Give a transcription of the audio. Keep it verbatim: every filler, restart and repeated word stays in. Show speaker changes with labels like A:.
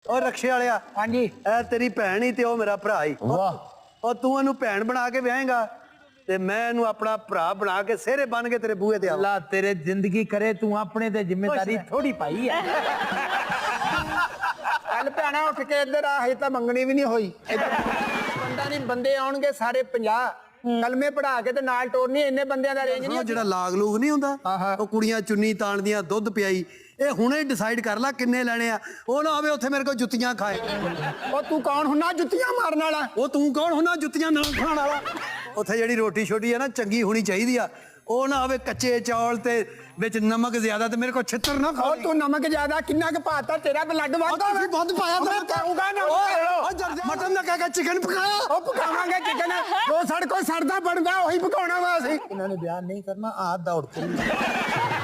A: ਉਹ ਰਕਸ਼ੇ ਵਾਲਿਆ
B: ਹਾਂਜੀ
A: ਇਹ ਤੇਰੀ ਭੈਣ ਹੀ ਤੇ ਉਹ ਮੇਰਾ ਭਰਾ ਹੀ
B: ਵਾਹ
A: ਉਹ ਤੂੰ ਇਹਨੂੰ ਭੈਣ ਬਣਾ ਕੇ ਵਿਆਹੇਗਾ ਤੇ ਮੈਂ ਇਹਨੂੰ ਆਪਣਾ ਭਰਾ ਬਣਾ ਕੇ ਸਿਹਰੇ ਬਣ ਕੇ ਤੇਰੇ ਬੂਹੇ ਤੇ ਆਵਾਂ।
B: ਅੱਲਾ ਤੇਰੇ ਜ਼ਿੰਦਗੀ ਕਰੇ ਤੂੰ ਆਪਣੇ ਤੇ ਜ਼ਿੰਮੇਵਾਰੀ ਥੋੜੀ ਪਾਈ ਹੈ।
C: ਕੱਲ ਭੈਣਾ ਉੱਠ ਕੇ ਇੱਧਰ ਆ, ਹਜੇ ਤਾਂ ਮੰਗਣੀ ਵੀ ਨਹੀਂ ਹੋਈ। ਬੰਦਾ ਨਹੀਂ, ਬੰਦੇ ਆਉਣਗੇ ਸਾਰੇ ਪੰਜਾਹ ਕਲਮੇ ਪੜਾ ਕੇ ਤੇ ਨਾਲ ਟੋਰਨੀ। ਇੰਨੇ ਬੰਦਿਆਂ ਦਾ ਰੇਂਜ ਨਹੀਂ।
A: ਜਿਹੜਾ ਲਾਗ ਲੂਗ ਨਹੀਂ ਹੁੰਦਾ ਉਹ ਕੁੜੀਆਂ ਚੁੰਨੀ ਤਾਣਦੀਆਂ ਦੁੱਧ ਪਿਆਈ, ਇਹ ਹੁਣੇ ਡਿਸਾਈਡ ਕਰ ਲੈ ਕਿੰਨੇ ਲੈਣੇ ਆ। ਉਹ ਨਾ ਹੋਵੇ ਉੱਥੇ ਮੇਰੇ ਕੋਲ ਜੁੱਤੀਆਂ ਖਾਏ।
C: ਉਹ ਤੂੰ ਕੌਣ ਹੁੰਨਾ ਜੁੱਤੀਆਂ ਮਾਰਨ ਵਾਲਾ?
A: ਉਹ ਤੂੰ ਕੌਣ ਹੁੰਨਾ ਜੁੱਤੀਆਂ ਨਾਲ ਖਾਣ ਵਾਲਾ? ਉੱਥੇ ਜਿਹੜੀ ਰੋਟੀ ਛੋਟੀ ਆ ਨਾ ਚੰਗੀ ਹੋਣੀ ਚਾਹੀਦੀ ਆ। ਉਹ ਨਾ ਹੋਵੇ ਕੱਚੇ ਚੌਲ ਤੇ ਵਿੱਚ ਨਮਕ ਜ਼ਿਆਦਾ ਤੇ ਮੇਰੇ ਕੋਲ ਛਿੱਤਰ ਨਾ ਖਾਓ।
C: ਤੂੰ ਨਮਕ ਜ਼ਿਆਦਾ ਕਿੰਨਾ ਕੁ ਪਾਤਾ? ਤੇਰਾ ਬਲੱਡ ਵੱਧਦਾ
A: ਤੁਸੀਂ ਵੱਧ ਪਾਇਆ
C: ਮੈਂ ਕਹੂੰਗਾ ਨਾ।
A: ਮਟਨ ਦਾ ਕਹਿ ਕੇ ਚਿਕਨ ਪਕਾਇਆ।
C: ਉਹ ਪਕਾਵਾਂਗੇ ਚਿਕਨ, ਉਹ ਸਾਡੇ ਕੋਲ ਸਰਦਾ ਬਣਦਾ ਉਹੀ ਪਕਾਉਣਾ ਵਾ ਅਸੀਂ।
B: ਇਹਨਾਂ ਨੇ ਬਿਆਨ ਨਹੀਂ ਕਰਨਾ, ਆਹ ਦੌੜ ਕੇ